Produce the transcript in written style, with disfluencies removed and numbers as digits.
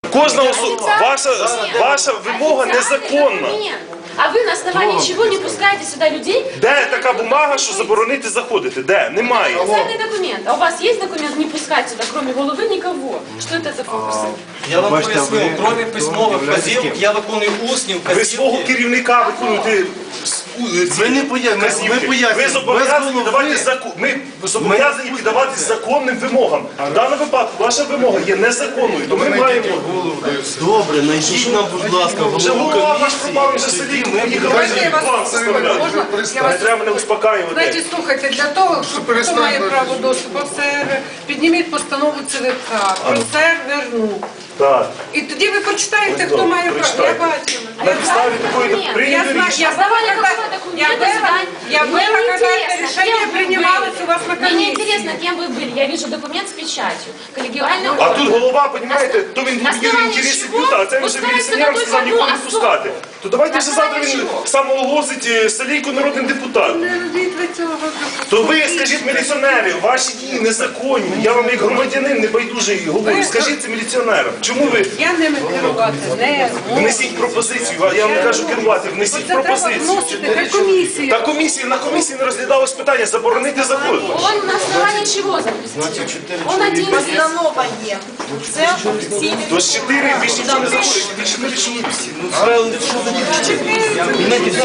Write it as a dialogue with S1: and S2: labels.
S1: Кожна особа, ваша вимога незаконна.
S2: А ви на основании чего не пускаете сюда людей?
S1: Де така бумага, що заборонити заходити? Де? Немає.
S2: Официальный документ. А у вас есть документ не пускать сюда, кроме головы, никого? Что это за фокусы?
S3: Я вам поясню, кроме письмових вказівок, я виконую усні
S1: Ви свого
S3: вказівки.
S1: керівника виконуєте.
S4: Ми не пояснюємо.
S1: Ви зобов'язані піддаватись ми зобов'язані піддаватись законним вимогам. В даному випадку ваша вимога є незаконною, то ми маємо.
S4: Добре, знайдіть нам, будь ласка,
S1: Вже
S4: голову
S1: голова ваш
S4: комісії.
S1: пропав, вже сидить, ми їхали вам составляти. Не треба мене успокаювати.
S5: Значить, слухайте, для того, щоб хто має право доступу в сервер, підніміть постанову ЦВК, про сервер,
S1: Так.
S5: і тоді ви почитаєте, хто має право. Я бачила.
S1: На підставі такої
S5: Я
S1: прийняли
S5: знаю,
S1: рішення.
S5: я была, когда это решение принималось у вас на
S2: Мне не
S5: комиссии.
S2: интересно, кем вы были. Я вижу документ с печатью. Коллегиальный
S1: А
S2: орган.
S1: тут голова, розумієте, то він
S2: На
S1: будує
S2: основании
S1: інтереси
S2: чего
S1: бюта, а це вже
S2: пускається
S1: міліціонерам
S2: на ту
S1: сказав нікого не
S2: одну
S1: пускати. То давайте
S2: На
S1: вже завтра
S2: основании
S1: він
S2: чого?
S1: самооголосить Салійку народним депутатом.
S5: Не робіть ви цього.
S1: То ви скажіть міліціонери, ваші дії незаконні. Я вам як громадянин небайдужий говорю. Скажіть це міліціонерам. Чому ви
S5: Я ними керувати не можу.
S1: внесіть пропозицію? Я вам не кажу керувати, внесіть
S5: Це треба
S1: пропозицію.
S5: вносити на комісію.
S1: Та на комісії не розглядалось питання заборонити заход.
S2: Он на основании чего запустил? Он один здесь.
S6: Постанова є. Це офіційний.
S1: То з 4 більше ніхто не заходить, більше не рішується.